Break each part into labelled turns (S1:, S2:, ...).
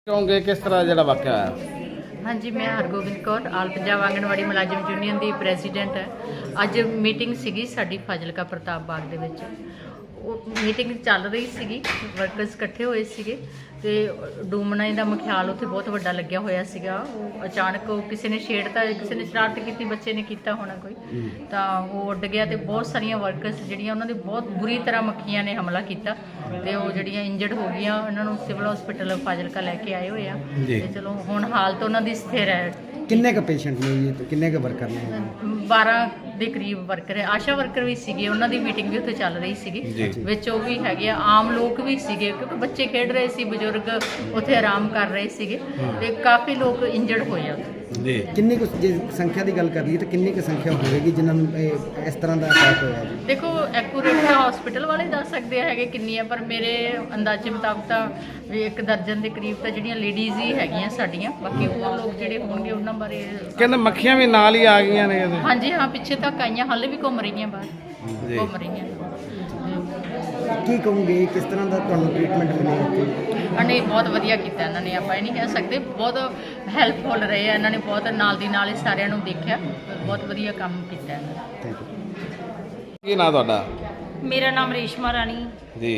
S1: ਕਹੋਗੇ ਕਿਸ ਤਰ੍ਹਾਂ ਜਿਹੜਾ ਵਾਕਿਆ ਹੋਇਆ?
S2: हाँ जी, मैं हरगोबिंद कौर आल पंजाब आंगनवाड़ी मुलाजम यूनियन की प्रेसीडेंट है। अज मीटिंग सीगी साडी फाजिलका प्रताप बाग दे विच। मीटिंग चल रही सीगी, वर्कर्स इकट्ठे होए सीगे ते डूमना दा मख्याल उत्थे बहुत वड्डा लग्या होया सीगा। अचानक किसी ने छेड़ता, किसी ने शरारत की, बच्चे ने किया होना कोई, तो वो उड गया तो बहुत सारिया वर्कर्स जिहड़ियां उन्हां दे बहुत बुरी तरह मक्खियां ने हमला किया ते वो जिहड़ियां इंजर्ड हो गईयां, उन्हां नूं सिविल हॉस्पिटल फाजिलका लैके आए होए आ ते चलो हुण हालत उन्हां दी स्थिर है।
S3: किन्ने का पेशेंट ने जी, तो किन्ने के वर्कर ने?
S2: 12 ਦੇ ਕਰੀਬ ਵਰਕਰ ਹੈ। ਆਸ਼ਾ ਵਰਕਰ ਵੀ ਸੀਗੇ, ਉਹਨਾਂ ਦੀ ਮੀਟਿੰਗ ਵੀ ਉੱਥੇ ਚੱਲ ਰਹੀ ਸੀਗੀ, ਵਿੱਚ ਉਹ ਵੀ ਹੈਗੇ ਆ, ਆਮ ਲੋਕ ਵੀ ਸੀਗੇ ਕਿਉਂਕਿ ਬੱਚੇ ਖੇਡ ਰਹੇ ਸੀ, ਬਜ਼ੁਰਗ ਉੱਥੇ ਆਰਾਮ ਕਰ ਰਹੇ ਸੀਗੇ ਤੇ ਕਾਫੀ ਲੋਕ ਇੰਜਰਡ ਹੋਏ ਆ
S3: ਜੀ। ਕਿੰਨੀ ਕੁ ਜੇ ਸੰਖਿਆ ਦੀ ਗੱਲ ਕਰ ਲਈਏ ਤਾਂ ਕਿੰਨੀ ਕੁ ਸੰਖਿਆ ਹੋਵੇਗੀ ਜਿਨ੍ਹਾਂ ਨੂੰ ਇਸ ਤਰ੍ਹਾਂ ਦਾ ਅਟੈਕ ਹੋਇਆ ਜੀ?
S2: ਦੇਖੋ ਐਕੂਰੇਟ ਤਾਂ ਹਸਪੀਟਲ ਵਾਲੇ ਦੱਸ ਸਕਦੇ ਹੈਗੇ ਕਿੰਨੀ ਆ, ਪਰ ਮੇਰੇ ਅੰਦਾਜ਼ੇ ਮੁਤਾਬਕ ਤਾਂ ਵੀ 1 ਦਰਜਨ ਦੇ ਕਰੀਬ ਤਾਂ ਜਿਹੜੀਆਂ ਲੇਡੀਜ਼ ਹੀ ਹੈਗੀਆਂ ਸਾਡੀਆਂ, ਬਾਕੀ ਹੋਰ ਲੋਕ ਜਿਹੜੇ ਹੋਣਗੇ ਉਹਨਾਂ ਬਾਰੇ
S1: ਕਹਿੰਦੇ ਮੱਖੀਆਂ ਵੀ ਨਾਲ ਹੀ ਆ ਗਈਆਂ ਨੇ।
S2: ਹਾਂਜੀ ਹਾਂ, ਪਿੱਛੇ ਤੱਕ ਆਈਆਂ, ਹਾਲੇ ਵੀ ਘੁੰਮ ਰਹੀਆਂ ਬਾਹਰ, ਘੁੰਮ ਰਹੀਆਂ।
S3: ਕੀ ਕਹੋਗੇ ਕਿਸ ਤਰ੍ਹਾਂ ਦਾ ਤੁਹਾਨੂੰ ਟ੍ਰੀਟਮੈਂਟ ਮਿਲਿਆ ਇੱਥੇ?
S2: ਨੇ ਬਹੁਤ ਵਧੀਆ ਕੀਤਾ ਇਹਨਾਂ ਨੇ, ਆਪਾਂ ਇਹ ਨਹੀਂ ਕਹਿ ਸਕਦੇ, ਬਹੁਤ ਹੈਲਪਫੁਲ ਰਹੇ ਆ ਇਹਨਾਂ ਨੇ, ਬਹੁਤ ਨਾਲ ਦੀ ਨਾਲ ਹੀ ਸਾਰਿਆਂ ਨੂੰ ਦੇਖਿਆ, ਬਹੁਤ ਵਧੀਆ ਕੰਮ ਕੀਤਾ ਇਹਨਾਂ ਨੇ।
S1: ਕੀ ਨਾਂ ਤੁਹਾਡਾ?
S4: ਮੇਰਾ ਨਾਮ ਰੇਸ਼ਮਾ ਰਾਣੀ
S1: ਜੀ।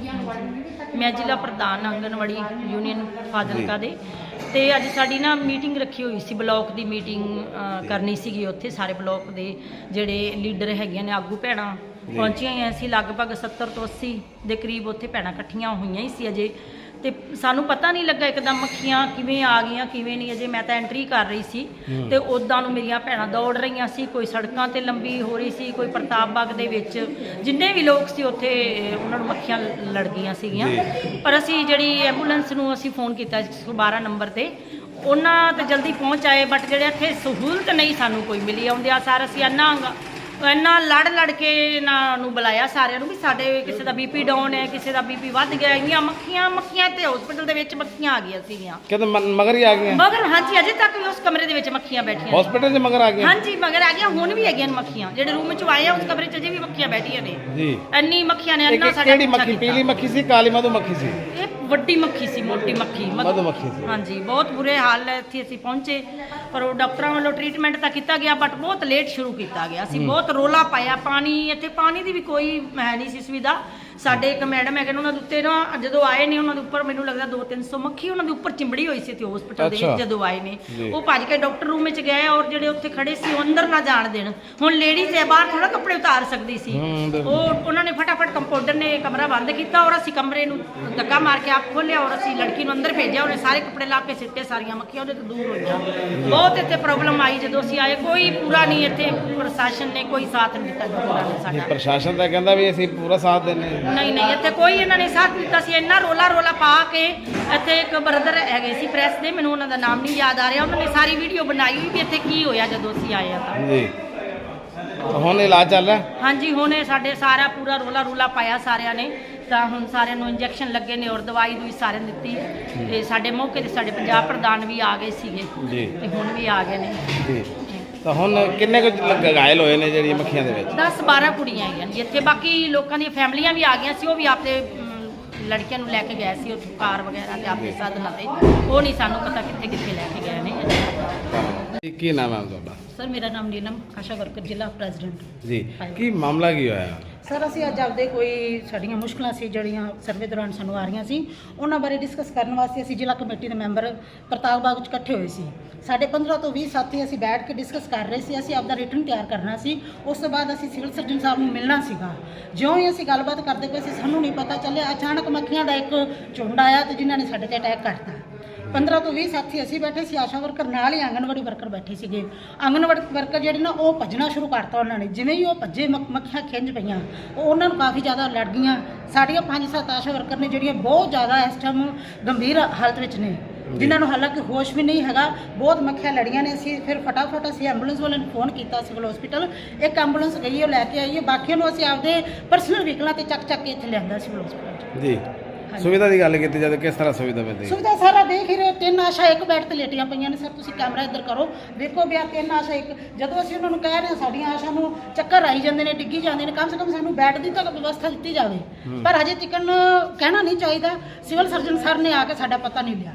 S4: ਮੈਂ ਜ਼ਿਲ੍ਹਾ ਪ੍ਰਧਾਨ ਆਂਗਨਵਾੜੀ ਯੂਨੀਅਨ ਫਾਜ਼ਿਲਕਾ ਦੇ। ਤੇ ਅੱਜ ਸਾਡੀ ਨਾ ਮੀਟਿੰਗ ਰੱਖੀ ਹੋਈ ਸੀ, ਬਲਾਕ ਦੀ ਮੀਟਿੰਗ ਕਰਨੀ ਸੀਗੀ। ਉੱਥੇ ਸਾਰੇ ਬਲਾਕ ਦੇ ਜਿਹੜੇ ਲੀਡਰ ਹੈਗੀਆਂ ਨੇ, ਆਗੂ ਭੈਣਾਂ ਪਹੁੰਚੀਆਂ ਹੋਈਆਂ ਸੀ, ਲਗਭਗ 70 ਤੋਂ 80 ਦੇ ਕਰੀਬ ਉੱਥੇ ਭੈਣਾਂ ਇਕੱਠੀਆਂ ਹੋਈਆਂ ਹੀ ਸੀ ਅਜੇ। ਤੇ ਸਾਨੂੰ ਪਤਾ ਨਹੀਂ ਲੱਗਾ ਇੱਕਦਮ ਮੱਖੀਆਂ ਕਿਵੇਂ ਆ ਗਈਆਂ ਕਿਵੇਂ ਨਹੀਂ। ਅਜੇ ਮੈਂ ਤਾਂ ਐਂਟਰੀ ਕਰ ਰਹੀ ਸੀ ਤੇ ਉੱਦਾਂ ਨੂੰ ਮੇਰੀਆਂ ਭੈਣਾਂ ਦੌੜ ਰਹੀਆਂ ਸੀ, ਕੋਈ ਸੜਕਾਂ ਤੇ ਲੰਬੀ ਹੋ ਰਹੀ ਸੀ, ਕੋਈ ਪ੍ਰਤਾਪ ਬਾਗ ਦੇ ਵਿੱਚ ਜਿੰਨੇ ਵੀ ਲੋਕ ਸੀ ਉੱਥੇ ਉਹਨਾਂ ਨੂੰ ਮੱਖੀਆਂ ਲੜ ਗਈਆਂ ਸੀਗੀਆਂ। ਪਰ ਅਸੀਂ ਜਿਹੜੀ ਐਂਬੂਲੈਂਸ ਨੂੰ ਅਸੀਂ ਫੋਨ ਕੀਤਾ 112 ਨੰਬਰ ਤੇ, ਉਹਨਾਂ ਤੇ ਜਲਦੀ ਪਹੁੰਚ ਆਏ, ਬਟ ਜਿਹੜੇ ਇੱਥੇ ਸਹੂਲਤ ਨਹੀਂ ਸਾਨੂੰ ਕੋਈ ਮਿਲੀ। ਆਉਂਦਿਆਂ ਸਾਰ ਅਸੀਂ ਇੰਨਾ ਲੜ ਕੇ ਇਹਨਾਂ ਨੂੰ ਬੁਲਾਇਆ ਸਾਰਿਆਂ ਨੂੰ ਵੀ ਸਾਡੇ ਕਿਸੇ ਦਾ ਬੀਪੀ ਡਾਊਨ ਹੈ, ਕਿਸੇ ਦਾ ਬੀਪੀ ਵੱਧ ਗਿਆ। ਇੰਨੀਆਂ ਮੱਖੀਆਂ ਤੇ ਹਸਪੀਟਲ ਦੇ ਵਿੱਚ ਮੱਖੀਆਂ ਆ ਗਈਆਂ ਸੀਗੀਆਂ।
S1: ਕਹਿੰਦੇ ਮਗਰ ਹੀ ਆ ਗਈਆਂ?
S4: ਮਗਰ ਹਾਂਜੀ, ਅਜੇ ਤੱਕ ਵੀ ਉਸ ਕਮਰੇ ਦੇ ਵਿੱਚ ਮੱਖੀਆਂ ਬੈਠੀਆਂ
S1: ਹਸਪੀਟਲ ਦੇ ਮਗਰ ਆ ਗਈਆਂ?
S4: ਹਾਂਜੀ, ਮਗਰ ਆ ਗਈਆਂ, ਹੁਣ ਵੀ ਹੈਗੀਆਂ ਮੱਖੀਆਂ। ਜਿਹੜੇ ਰੂਮ ਚ ਆਏ ਆ ਉਸ ਕਮਰੇ ਚ ਅਜੇ ਵੀ ਮੱਖੀਆਂ ਬੈਠੀਆਂ ਨੇ ਜੀ। ਇੰਨੀ ਮੱਖੀਆਂ ਨੇ, ਇੰਨਾ ਸਾਡਾ
S1: ਕਿਹੜੀ ਮੱਖੀ? ਪੀਲੀ ਮੱਖੀ ਸੀ, ਕਾਲੀ ਮਧੂ ਮੱਖੀ ਸੀ?
S4: ਇਹ ਵੱਡੀ ਮੱਖੀ ਸੀ, ਮੋਟੀ ਮੱਖੀ
S1: ਮਧੂ ਮੱਖੀ ਸੀ।
S4: ਹਾਂਜੀ, ਬਹੁਤ ਬੁਰੇ ਹਾਲ ਹੈ। ਇੱਥੇ ਅਸੀਂ ਪਹੁੰਚੇ ਪਰ ਉਹ ਡਾਕਟਰਾਂ ਵੱਲੋਂ ਟ੍ਰੀਟਮੈਂਟ ਤਾਂ ਕੀਤਾ ਗਿਆ, ਬਟ ਬਹੁਤ ਲੇਟ ਸ਼ੁਰੂ ਕੀਤਾ ਗਿਆ। ਅਸੀਂ ਬਹੁਤ ਰੋਲਾ ਪਾਇਆ। ਪਾਣੀ ਇੱਥੇ ਪਾਣੀ ਦੀ ਵੀ ਕੋਈ ਹੈ ਨਹੀਂ ਸੀ ਸੁਵਿਧਾ। ਸਾਡੇ ਇੱਕ ਮੈਡਮ ਹੈਗੇ ਨੇ, ਉਹਨਾਂ ਦੇ ਉੱਤੇ ਨਾ ਜਦੋਂ ਆਏ ਨੇ ਉਹਨਾਂ ਦੇ ਉੱਪਰ ਮੈਨੂੰ ਲੱਗਦਾ 200-300 ਮੱਖੀ ਉਹਨਾਂ ਦੇ ਉੱਪਰ ਚਿੰਬੜੀ ਹੋਈ ਸੀ ਤੇ ਹਸਪੀਟਲ ਦੇ ਵਿੱਚ ਜਦੋਂ ਆਏ ਨੇ ਉਹ ਭੱਜ ਕੇ ਡਾਕਟਰ ਰੂਮ ਵਿੱਚ ਗਏ, ਔਰ ਜਿਹੜੇ ਉੱਥੇ ਖੜੇ ਸੀ ਉਹ ਅੰਦਰ ਨਾ ਜਾਣ ਦੇਣ। ਹੁਣ ਲੇਡੀਜ਼ ਹੈ, ਬਾਹਰ ਥੋੜਾ ਕੱਪੜੇ ਉਤਾਰ ਸਕਦੀ ਸੀ। ਉਹਨਾਂ ਨੇ ਫਟਾਫਟ ਕੰਪਾਊਂਡਰ ਨੇ ਕਮਰਾ ਬੰਦ ਕੀਤਾ ਔਰ ਅਸੀਂ ਕਮਰੇ ਨੂੰ ਧੱਕਾ ਮਾਰ ਕੇ ਆਪ ਖੋਲਿਆ ਔਰ ਅਸੀਂ ਲੜਕੀ ਨੂੰ ਅੰਦਰ ਭੇਜਿਆ। ਉਹਨੇ ਸਾਰੇ ਕੱਪੜੇ ਲਾ ਕੇ ਸਿੱਟੇ, ਸਾਰੀਆਂ ਮੱਖੀਆਂ ਉਹਦੇ ਤੋਂ ਦੂਰ ਹੋਈਆਂ। ਬਹੁਤ ਇੱਥੇ ਪ੍ਰੋਬਲਮ ਆਈ ਜਦੋਂ ਅਸੀਂ ਆਏ। ਕੋਈ ਪੂਰਾ ਨਹੀਂ, ਇੱਥੇ ਪ੍ਰਸ਼ਾਸਨ ਨੇ ਕੋਈ ਸਾਥ ਨਹੀਂ ਦਿੱਤਾ ਸਾਡਾ।
S1: ਪ੍ਰਸ਼ਾਸਨ ਤਾਂ ਕਹਿੰਦਾ ਵੀ ਅਸੀਂ ਪੂਰਾ ਸਾਥ ਦਿੰਦੇ।
S4: ਨਹੀਂ, ਇੱਥੇ ਕੋਈ ਇਹਨਾਂ ਨੇ ਸਾਥ ਦਿੱਤਾ ਸੀ। ਇੰਨਾ ਰੋਲਾ ਪਾ ਕੇ ਇੱਥੇ ਇੱਕ ਬ੍ਰਦਰ ਹੈਗੇ ਸੀ ਪ੍ਰੈਸ ਦੇ, ਮੈਨੂੰ ਉਹਨਾਂ ਦਾ ਨਾਮ ਨਹੀਂ ਯਾਦ ਆ ਰਿਹਾ, ਉਹਨਾਂ ਨੇ ਸਾਰੀ ਵੀਡੀਓ ਬਣਾਈ ਵੀ ਇੱਥੇ ਕੀ ਹੋਇਆ ਜਦੋਂ ਅਸੀਂ ਆਏ ਆ ਤਾਂ
S1: ਜੀ। ਹੁਣ ਇਲਾਜ ਚੱਲ ਰਿਹਾ?
S4: ਹਾਂਜੀ, ਹੁਣ ਇਹ ਸਾਡੇ ਸਾਰਾ ਪੂਰਾ ਰੋਲਾ ਪਾਇਆ ਸਾਰਿਆਂ ਨੇ, ਤਾਂ ਹੁਣ ਸਾਰਿਆਂ ਨੂੰ ਇੰਜੈਕਸ਼ਨ ਲੱਗੇ ਨੇ ਔਰ ਦਵਾਈ ਦੂਈ ਸਾਰਿਆਂ ਨੂੰ ਦਿੱਤੀ। ਤੇ ਸਾਡੇ ਮੌਕੇ ਤੇ ਸਾਡੇ ਪੰਜਾਬ ਪ੍ਰਧਾਨ ਵੀ ਆ ਗਏ ਸੀਗੇ ਤੇ ਹੁਣ ਵੀ ਆ ਗਏ ਨੇ
S1: ਜੀ। ਤਾਂ ਹੁਣ ਕਿੰਨੇ ਕੁ ਘਾਇਲ ਹੋਏ ਨੇ ਜਿਹੜੀਆਂ ਮੱਖੀਆਂ ਦੇ ਵਿੱਚ?
S4: 10-12 ਕੁੜੀਆਂ ਆਈਆਂ ਜੀ ਇੱਥੇ। ਬਾਕੀ ਲੋਕਾਂ ਦੀਆਂ ਫੈਮਲੀਆਂ ਵੀ ਆ ਗਈਆਂ ਸੀ, ਉਹ ਵੀ ਆਪਦੇ ਲੜਕੀਆਂ ਨੂੰ ਲੈ ਕੇ ਗਏ ਸੀ ਉੱਥੇ ਕਾਰ ਵਗੈਰਾ ਤੇ ਆਪਣੇ ਸਾਧਨਾਂ ਤੇ। ਉਹ ਨਹੀਂ ਸਾਨੂੰ ਪਤਾ ਕਿੱਥੇ ਲੈ ਕੇ ਗਏ ਨੇ।
S1: ਕੀ ਨਾਮ ਹੈ ਤੁਹਾਡਾ?
S5: ਸਰ ਮੇਰਾ ਨਾਮ ਨੀਲਮ, ਆਸ਼ਾ ਵਰਕਰ ਜ਼ਿਲ੍ਹਾ ਪ੍ਰੈਜ਼ੀਡੈਂਟ
S1: ਜੀ। ਕੀ ਮਾਮਲਾ ਕੀ ਹੋਇਆ?
S5: ਸਰ ਅਸੀਂ ਅੱਜ ਆਪਦੇ ਕੋਈ ਸਾਡੀਆਂ ਮੁਸ਼ਕਲਾਂ ਸੀ ਜਿਹੜੀਆਂ ਸਰਵੇ ਦੌਰਾਨ ਸਾਨੂੰ ਆ ਰਹੀਆਂ ਸੀ, ਉਹਨਾਂ ਬਾਰੇ ਡਿਸਕਸ ਕਰਨ ਵਾਸਤੇ ਅਸੀਂ ਜ਼ਿਲ੍ਹਾ ਕਮੇਟੀ ਦੇ ਮੈਂਬਰ ਪ੍ਰਤਾਪ ਬਾਗ ਵਿੱਚ ਇਕੱਠੇ ਹੋਏ ਸੀ। ਸਾਡੇ 15 ਤੋਂ 20 ਸਾਥੀ ਅਸੀਂ ਬੈਠ ਕੇ ਡਿਸਕਸ ਕਰ ਰਹੇ ਸੀ। ਅਸੀਂ ਆਪਦਾ ਰਿਟਨ ਤਿਆਰ ਕਰਨਾ ਸੀ, ਉਸ ਤੋਂ ਬਾਅਦ ਅਸੀਂ ਸਿਵਲ ਸਰਜਨ ਸਾਹਿਬ ਨੂੰ ਮਿਲਣਾ ਸੀਗਾ। ਜਿਉਂ ਹੀ ਅਸੀਂ ਗੱਲਬਾਤ ਕਰਦੇ ਪਏ ਸੀ, ਸਾਨੂੰ ਨਹੀਂ ਪਤਾ ਚੱਲਿਆ ਅਚਾਨਕ ਮੱਖੀਆਂ ਦਾ ਇੱਕ ਝੁੰਡ ਆਇਆ ਤੇ ਜਿਨ੍ਹਾਂ ਨੇ ਸਾਡੇ ਤੇ ਅਟੈਕ ਕਰਤਾ। 15 ਤੋਂ 20 ਸਾਥੀ ਅਸੀਂ ਬੈਠੇ ਸੀ, ਆਸ਼ਾ ਵਰਕਰ ਨਾਲ ਹੀ ਆਂਗਨਵਾੜੀ ਵਰਕਰ ਬੈਠੇ ਸੀਗੇ। ਆਂਗਨਵਾੜੀ ਵਰਕਰ ਜਿਹੜੇ ਨਾ ਉਹ ਭੱਜਣਾ ਸ਼ੁਰੂ ਕਰਤਾ ਉਹਨਾਂ ਨੇ। ਜਿਵੇਂ ਹੀ ਉਹ ਭੱਜੇ ਮੱਖੀਆਂ ਖਿੰਝ ਪਈਆਂ, ਉਹ ਉਹਨਾਂ ਨੂੰ ਕਾਫੀ ਜ਼ਿਆਦਾ ਲੜ ਗਈਆਂ। ਸਾਡੀਆਂ 5-7 ਆਸ਼ਾ ਵਰਕਰ ਨੇ ਜਿਹੜੀਆਂ ਬਹੁਤ ਜ਼ਿਆਦਾ ਇਸ ਟਾਈਮ ਗੰਭੀਰ ਹਾਲਤ ਵਿੱਚ ਨੇ, ਜਿਨ੍ਹਾਂ ਨੂੰ ਹਾਲਾਂਕਿ ਹੋਸ਼ ਵੀ ਨਹੀਂ ਹੈਗਾ। ਬਹੁਤ ਮੱਖੀਆਂ ਲੜੀਆਂ ਨੇ। ਅਸੀਂ ਫਿਰ ਫਟਾਫਟ ਅਸੀਂ ਐਂਬੂਲੈਂਸ ਵਾਲਿਆਂ ਨੂੰ ਫੋਨ ਕੀਤਾ ਸਿਵਲ ਹਸਪੀਟਲ। ਇੱਕ ਐਂਬੂਲੈਂਸ ਗਈ, ਉਹ ਲੈ ਕੇ ਆਈ ਹੈ। ਬਾਕੀਆਂ ਨੂੰ ਅਸੀਂ ਆਪਦੇ ਪਰਸਨਲ ਵਹੀਕਲਾਂ ਤੇ ਚੱਕ ਕੇ ਇੱਥੇ ਲਿਆਂਦਾ ਸਿਵਲ ਹਸਪੀਟਲ
S1: ਜੀ। ਸੁਵਿਧਾ ਦੀ ਗੱਲ ਕੀਤੀ ਜਾਂਦੀ, ਕਿਸ ਤਰ੍ਹਾਂ ਸੁਵਿਧਾ ਮਿਲਦੀ?
S5: ਸੁਵਿਧਾ ਸਾਰਾ ਦੇਖ ਹੀ ਰਹੇ, 3 ਆਸ਼ਾ ਇੱਕ ਬੈੱਡ ਤੇ ਲੇਟੀਆਂ ਪਈਆਂ ਨੇ। ਸਰ ਤੁਸੀਂ ਕੈਮਰਾ ਇੱਧਰ ਕਰੋ, ਵੇਖੋ ਵੀ ਆ 3 ਆਸ਼ਾ ਇੱਕ। ਜਦੋਂ ਅਸੀਂ ਉਹਨਾਂ ਨੂੰ ਕਹਿ ਰਹੇ ਹਾਂ ਸਾਡੀਆਂ ਆਸ਼ਾ ਨੂੰ ਚੱਕਰ ਆਈ ਜਾਂਦੇ ਨੇ, ਡਿੱਗੀ ਜਾਂਦੇ ਨੇ, ਕਮ ਸੇ ਕਮ ਸਾਨੂੰ ਬੈੱਡ ਦੀ ਤਾਂ ਵਿਵਸਥਾ ਦਿੱਤੀ ਜਾਵੇ। ਪਰ ਹਜੇ ਤੱਕ ਕਹਿਣਾ ਨਹੀਂ ਚਾਹੀਦਾ। ਸਿਵਲ ਸਰਜਨ ਸਰ ਨੇ ਆ ਕੇ ਸਾਡਾ ਪਤਾ ਨਹੀਂ ਲਿਆ।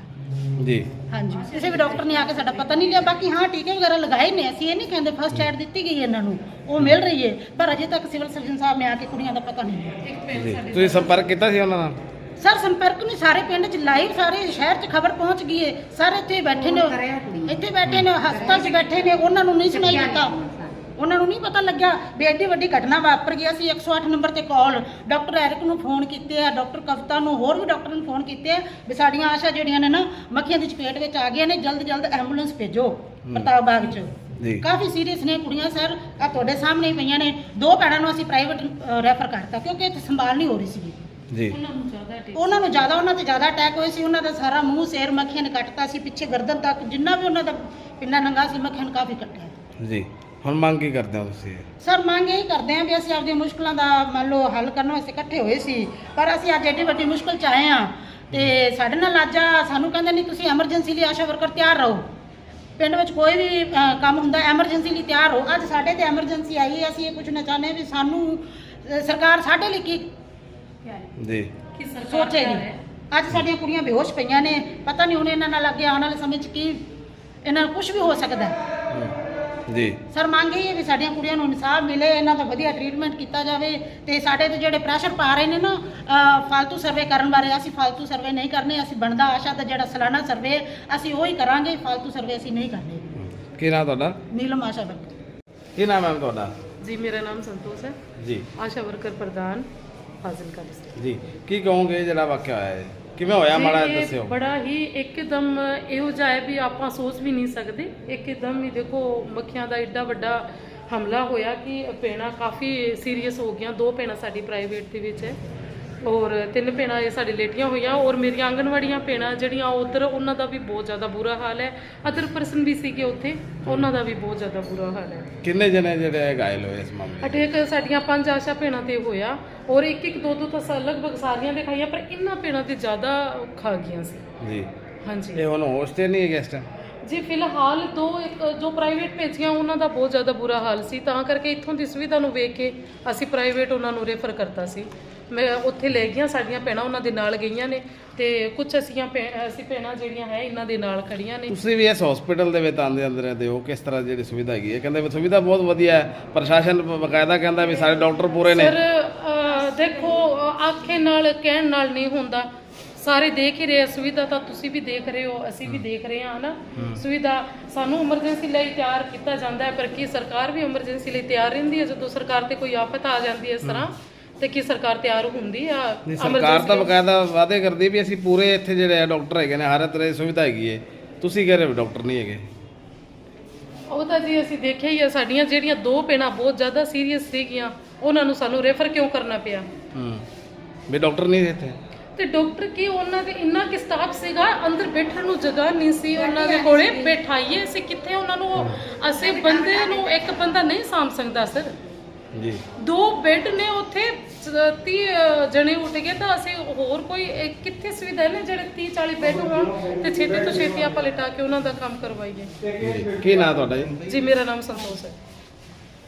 S1: ਜੀ
S5: ਹਾਂਜੀ, ਕਿਸੇ ਵੀ ਡਾਕਟਰ ਨੇ ਆ ਕੇ ਸਾਡਾ ਪਤਾ ਨਹੀਂ ਲਿਆ। ਬਾਕੀ ਹਾਂ ਟੀਕੇ ਵਗੈਰਾ ਲਗਾਏ ਨੇ, ਅਸੀਂ ਇਹ ਨਹੀਂ ਕਹਿੰਦੇ, ਫਸਟ ਐਡ ਦਿੱਤੀ ਗਈ ਇਹਨਾਂ ਨੂੰ, ਉਹ ਮਿਲ ਰਹੀ ਹੈ, ਪਰ ਅਜੇ ਤੱਕ ਸਿਵਲ ਸਰਜਨ ਸਾਹਿਬ ਨੇ ਆ ਕੇ ਕੁੜੀਆਂ ਦਾ ਪਤਾ ਨਹੀਂ ਲਿਆ।
S1: ਜੀ ਤੁਸੀਂ ਸੰਪਰਕ ਕੀਤਾ ਸੀ ਉਹਨਾਂ ਨਾਲ?
S5: ਸਰ ਸੰਪਰਕ ਨਹੀਂ, ਸਾਰੇ ਪਿੰਡ 'ਚ ਲਾਈਵ, ਸਾਰੇ ਸ਼ਹਿਰ 'ਚ ਖਬਰ ਪਹੁੰਚ ਗਈ ਹੈ, ਸਾਰੇ ਇੱਥੇ ਬੈਠੇ ਨੇ, ਇੱਥੇ ਬੈਠੇ ਨੇ, ਹਸਪਤਾਲ 'ਚ ਬੈਠੇ ਨੇ, ਉਹਨਾਂ ਨੂੰ ਨਹੀਂ ਸੁਣਾਈ ਦਿੱਤਾ, ਉਹਨਾਂ ਨੂੰ ਨਹੀਂ ਪਤਾ ਲੱਗਿਆ ਵੀ ਐਡੀ ਵੱਡੀ ਘਟਨਾ ਵਾਪਰ ਗਈ। ਅਸੀਂ 108 ਨੰਬਰ ਤੇ ਕਾਲ ਡਾਕਟਰ ਐਰਿਕ ਨੂੰ ਫੋਨ ਕੀਤੇ ਆ, ਡਾਕਟਰ ਕਵਿਤਾ ਨੂੰ, ਹੋਰ ਵੀ ਡਾਕਟਰ ਨੂੰ ਫੋਨ ਕੀਤੇ ਆ ਵੀ ਸਾਡੀਆਂ ਆਸ਼ਾ ਜਿਹੜੀਆਂ ਨੇ ਨਾ ਮੱਖੀਆਂ ਦੀ ਚਪੇਟ ਵਿੱਚ ਆ ਗਈਆਂ ਨੇ, ਜਲਦ ਜਲਦ ਐਂਬੂਲੈਂਸ ਭੇਜੋ ਪ੍ਰਤਾਪ ਬਾਗ 'ਚ।
S1: ਜੀ
S5: ਕਾਫੀ ਸੀਰੀਅਸ ਨੇ ਕੁੜੀਆਂ ਸਰ, ਆ ਤੁਹਾਡੇ ਸਾਹਮਣੇ ਹੀ ਪਈਆਂ ਨੇ। 2 ਭੈਣਾਂ ਨੂੰ ਅਸੀਂ ਪ੍ਰਾਈਵੇਟ ਰੈਫਰ ਕਰਤਾ ਕਿਉਂਕਿ ਇੱਥੇ ਸੰਭਾਲ ਨਹੀਂ ਹੋ ਰਹੀ ਸੀਗੀ।
S1: ਜੀ
S5: ਉਹਨਾਂ ਤੇ ਜ਼ਿਆਦਾ ਅਟੈਕ ਹੋਏ ਸੀ, ਉਹਨਾਂ ਦਾ ਸਾਰਾ ਮੂੰਹ ਸਿਰ ਮੱਖੀਆਂ ਨੇ ਕੱਟਤਾ ਸੀ, ਪਿੱਛੇ ਗਰਦਨ ਤੱਕ ਜਿੰਨਾ ਵੀ ਉਹਨਾਂ ਦਾ ਪਿੰਨਾ ਨੰਗਾ ਸੀ ਮੱਖੀਆਂ ਨੇ ਕਾਫੀ ਕੱਟਿਆ।
S1: ਜੀ ਹੁਣ ਮੰਗ ਕੀ ਕਰਦੇ ਹੋ ਤੁਸੀਂ?
S5: ਸਰ ਮੰਗ ਇਹ ਕਰਦੇ ਹਾਂ ਵੀ ਅਸੀਂ ਆਪਦੀਆਂ ਮੁਸ਼ਕਲਾਂ ਦਾ ਮੰਨ ਲਓ ਹੱਲ ਕਰਨ ਵਾਸਤੇ ਇਕੱਠੇ ਹੋਏ ਸੀ, ਪਰ ਅਸੀਂ ਅੱਜ ਐਡੀ ਵੱਡੀ ਮੁਸ਼ਕਲ 'ਚ ਆਏ ਹਾਂ ਤੇ ਸਾਡੇ ਨਾਲ ਅੱਜ ਸਾਨੂੰ ਕਹਿੰਦੇ ਨਹੀਂ ਤੁਸੀਂ ਐਮਰਜੈਂਸੀ ਲਈ ਆਸ਼ਾ ਵਰਕਰ ਤਿਆਰ ਰਹੋ, ਪਿੰਡ ਵਿੱਚ ਕੋਈ ਵੀ ਕੰਮ ਹੁੰਦਾ ਐਮਰਜੈਂਸੀ ਲਈ ਤਿਆਰ ਹੋ। ਅੱਜ ਸਾਡੇ ਤੇ ਐਮਰਜੈਂਸੀ ਆਈ ਹੈ, ਅਸੀਂ ਇਹ ਪੁੱਛਣਾ ਚਾਹੁੰਦੇ ਹਾਂ ਵੀ ਸਾਨੂੰ ਸਰਕਾਰ ਸਾਡੇ ਲਈ ਕੀ
S1: ਜੀ
S5: ਸੋਚੇਗੀ। ਅੱਜ ਸਾਡੀਆਂ ਕੁੜੀਆਂ ਬੇਹੋਸ਼ ਪਈਆਂ ਨੇ, ਪਤਾ ਨਹੀਂ ਹੁਣ ਇਹਨਾਂ ਨਾਲ ਅੱਗੇ ਆਉਣ ਵਾਲੇ ਸਮੇਂ 'ਚ ਕੀ ਇਹਨਾਂ ਨੂੰ ਕੁਝ ਵੀ ਹੋ ਸਕਦਾ ਹੈ।
S1: ਜੀ
S5: ਸਰ ਮੰਗ ਇਹ ਹੈ ਵੀ ਸਾਡੀਆਂ ਕੁੜੀਆਂ ਨੂੰ ਇਨਸਾਫ ਮਿਲੇ, ਇਹਨਾਂ ਦਾ ਵਧੀਆ ਟ੍ਰੀਟਮੈਂਟ ਕੀਤਾ ਜਾਵੇ ਤੇ ਸਾਡੇ ਤੇ ਜਿਹੜੇ ਪ੍ਰੈਸ਼ਰ ਪਾ ਰਹੇ ਨੇ ਨਾ ਫालतू ਸਰਵੇ ਕਰਨ ਬਾਰੇ, ਅਸੀਂ ਫालतू ਸਰਵੇ ਨਹੀਂ ਕਰਨੇ। ਅਸੀਂ ਬਣਦਾ ਆਸ਼ਾ ਦਾ ਜਿਹੜਾ ਸਾਲਾਨਾ ਸਰਵੇ ਅਸੀਂ ਉਹੀ ਕਰਾਂਗੇ, ਫालतू ਸਰਵੇ ਅਸੀਂ ਨਹੀਂ ਕਰਨੇ।
S1: ਕੀ ਨਾਮ ਤੁਹਾਡਾ?
S5: ਨੀਲਮ ਆਸ਼ਾ ਵਰਕਰ।
S1: ਕੀ ਨਾਮ ਹੈ ਤੁਹਾਡਾ?
S6: जी मेरा नाम संतोष है,
S1: ਜੀ
S6: आशा वर्कर प्रधान फाजिलका डिस्ट्रिक्ट।
S1: ਜੀ ਕੀ ਕਹੋਗੇ ਜਿਹੜਾ ਵਾਕਿਆ ਹੋਇਆ ਹੈ ਕਿਵੇਂ ਹੋਇਆ, ਮਾੜਾ
S6: ਇਹ
S1: ਦੱਸਿਓ।
S6: ਬੜਾ ਹੀ ਇੱਕਦਮ ਇਹੋ ਜਿਹਾ ਹੈ ਵੀ ਆਪਾਂ ਸੋਚ ਵੀ ਨਹੀਂ ਸਕਦੇ। ਇੱਕਦਮ ਹੀ ਦੇਖੋ ਮੱਖੀਆਂ ਦਾ ਏਡਾ ਵੱਡਾ ਹਮਲਾ ਹੋਇਆ ਕਿ ਭੈਣਾਂ ਕਾਫੀ ਸੀਰੀਅਸ ਹੋ ਗਈਆਂ। 2 ਭੈਣਾਂ ਸਾਡੀ ਪ੍ਰਾਈਵੇਟ ਦੇ ਵਿੱਚ ਹੈ ਔਰ 3 ਭੈਣਾਂ ਇਹ ਸਾਡੇ ਲੇਟੀਆਂ ਹੋਈਆਂ ਔਰ ਮੇਰੀਆਂ ਆਂਗਣਵਾੜੀਆਂ ਭੈਣਾਂ ਜਿਹੜੀਆਂ ਉਧਰ, ਉਹਨਾਂ ਦਾ ਵੀ ਬਹੁਤ ਜ਼ਿਆਦਾ ਬੁਰਾ ਹਾਲ ਹੈ। ਅਦਰ ਪਰਸਨ ਵੀ ਸੀਗੇ ਉੱਥੇ, ਉਹਨਾਂ ਦਾ ਵੀ ਬਹੁਤ ਜ਼ਿਆਦਾ ਬੁਰਾ ਹਾਲ ਹੈ।
S1: ਕਿੰਨੇ ਜਣੇ ਜਿਹੜੇ ਘਾਇਲ ਹੋਏ ਇਸ ਮਾਮਲੇ 'ਚ?
S6: ਅਟੈਕ ਸਾਡੀਆਂ 5 ਆਸ਼ਾ ਭੈਣਾਂ ਤੇ ਹੋਇਆ ਔਰ 1-1 2-2 ਤਾਂ ਲਗਭਗ ਸਾਰੀਆਂ ਦੇ ਖਾਈਆਂ, ਪਰ ਇਹਨਾਂ ਭੈਣਾਂ ਤੇ ਜ਼ਿਆਦਾ ਖਾ ਗਈਆਂ ਸੀ।
S1: ਜੀ
S6: ਹਾਂਜੀ
S1: ਇਹ ਹੁਣ ਹੋਸ਼ ਤੇ ਨਹੀਂ ਹੈ ਇਸ ਟਾਈਮ?
S6: ਜੀ ਫਿਲਹਾਲ ਜੋ ਪ੍ਰਾਈਵੇਟ ਭੇਜੀਆਂ ਉਹਨਾਂ ਦਾ ਬਹੁਤ ਜ਼ਿਆਦਾ ਬੁਰਾ ਹਾਲ ਸੀ, ਤਾਂ ਕਰਕੇ ਇੱਥੋਂ ਦੀ ਸੁਵਿਧਾ ਨੂੰ ਵੇਖ ਕੇ ਅਸੀਂ ਪ੍ਰਾਈਵੇਟ ਉਹਨਾਂ ਨੂੰ ਰੈਫਰ ਕਰਤਾ ਸੀ। ਮੈਂ ਉੱਥੇ ਲੈ ਗਈਆਂ, ਸਾਡੀਆਂ ਭੈਣਾਂ ਉਹਨਾਂ ਦੇ ਨਾਲ ਗਈਆਂ ਨੇ ਤੇ ਕੁਝ ਅਸੀਂ ਭੈਣਾਂ ਜਿਹੜੀਆਂ ਹੈ ਇਹਨਾਂ ਦੇ ਨਾਲ ਖੜੀਆਂ ਨੇ।
S1: ਤੁਸੀਂ ਵੀ ਇਸ ਹਸਪੀਟਲ ਦੇ ਵਿੱਚ ਆਉਂਦੇ ਰਹਿੰਦੇ ਹੋ, ਕਿਸ ਤਰ੍ਹਾਂ ਜਿਹੜੀ ਸੁਵਿਧਾ ਹੈਗੀ ਹੈ? ਕਹਿੰਦੇ ਵੀ ਸੁਵਿਧਾ ਬਹੁਤ ਵਧੀਆ ਹੈ, ਪ੍ਰਸ਼ਾਸਨ ਬਕਾਇਦਾ ਕਹਿੰਦਾ ਵੀ ਸਾਰੇ ਡਾਕਟਰ ਪੂਰੇ ਨੇ।
S6: ਸਰ ਦੇਖੋ ਆਖੇ ਨਾਲ ਕਹਿਣ ਨਾਲ ਨਹੀਂ ਹੁੰਦਾ, ਸਾਰੇ ਦੇਖ ਹੀ ਰਹੇ। ਸੁਵਿਧਾ ਤਾਂ ਤੁਸੀਂ ਵੀ ਦੇਖ ਰਹੇ ਹੋ, ਅਸੀਂ ਵੀ ਦੇਖ ਰਹੇ ਹਾਂ ਨਾ। ਸੁਵਿਧਾ ਸਾਨੂੰ ਐਮਰਜੈਂਸੀ ਲਈ ਤਿਆਰ ਕੀਤਾ ਜਾਂਦਾ ਹੈ, ਪਰ ਕੀ ਸਰਕਾਰ ਵੀ ਐਮਰਜੈਂਸੀ ਲਈ ਤਿਆਰ ਰਹਿੰਦੀ ਹੈ? ਜਦੋਂ ਸਰਕਾਰ ਤੇ ਕੋਈ ਆਫਤ ਆ ਜਾਂਦੀ ਹੈ ਇਸ ਤਰ੍ਹਾਂ ਤੇ ਕੀ ਸਰਕਾਰ ਤਿਆਰ ਹੁੰਦੀ ਆ?
S1: ਸਰਕਾਰ ਤਾਂ ਬਕਾਇਦਾ ਵਾਅਦੇ ਕਰਦੀ ਵੀ ਅਸੀਂ ਪੂਰੇ ਇੱਥੇ ਜਿਹੜੇ ਡਾਕਟਰ ਹੈਗੇ ਨੇ, ਹਰ ਤਰ੍ਹਾਂ ਦੀ ਸੁਵਿਧਾ ਹੈਗੀ ਹੈ। ਤੁਸੀਂ ਕਹਿ ਰਹੇ ਹੋ ਡਾਕਟਰ ਨਹੀਂ ਹੈਗੇ।
S6: ਉਹ ਤਾਂ ਜੀ ਅਸੀਂ ਦੇਖਿਆ ਹੀ ਆ, ਸਾਡੀਆਂ ਜਿਹੜੀਆਂ 2 ਭੈਣਾਂ ਬਹੁਤ ਜ਼ਿਆਦਾ ਸੀਰੀਅਸ ਸੀਗੀਆਂ, ਉਹਨਾਂ ਨੂੰ ਸਾਨੂੰ ਰੈਫਰ ਕਿਉਂ ਕਰਨਾ ਪਿਆ?
S1: ਵੀ ਡਾਕਟਰ ਨਹੀਂ ਇੱਥੇ
S6: ਤੇ ਡਾਕਟਰ ਕੀ ਉਹਨਾਂ ਦੇ ਇੰਨਾ ਕਿ ਸਟਾਫ ਸੀਗਾ, ਅੰਦਰ ਬੈਠਣ ਨੂੰ ਜਗ੍ਹਾ ਨਹੀਂ ਸੀ ਉਹਨਾਂ ਦੇ ਕੋਲੇ। ਬਿਠਾਈਏ ਅਸੀਂ ਕਿੱਥੇ ਉਹਨਾਂ ਨੂੰ? ਅਸੀਂ ਬੰਦੇ ਨੂੰ ਇੱਕ ਬੰਦਾ ਨਹੀਂ ਸਾਂਭ ਸਕਦਾ ਸਰ।
S1: ਜੀ
S6: 2 ਬੈੱਡ ਨੇ ਉੱਥੇ, 30 ਜਣੇ ਉੱਠ ਗਏ ਤਾਂ ਅਸੀਂ ਹੋਰ ਕੋਈ ਕਿੱਥੇ ਸੁਵਿਧਾ ਨੇ ਜਿਹੜੇ 30-40 ਬੈੱਡ ਹੋਣ ਤੇ ਛੇਤੀ ਤੋਂ ਛੇਤੀ ਆਪਾਂ ਲਿਟਾ ਕੇ ਉਹਨਾਂ ਦਾ ਕੰਮ ਕਰਵਾਈਏ।
S1: ਕੀ ਨਾਮ ਤੁਹਾਡਾ ਜੀ?
S6: ਜੀ ਮੇਰਾ ਨਾਮ ਸੰਤੋਸ਼ ਹੈ।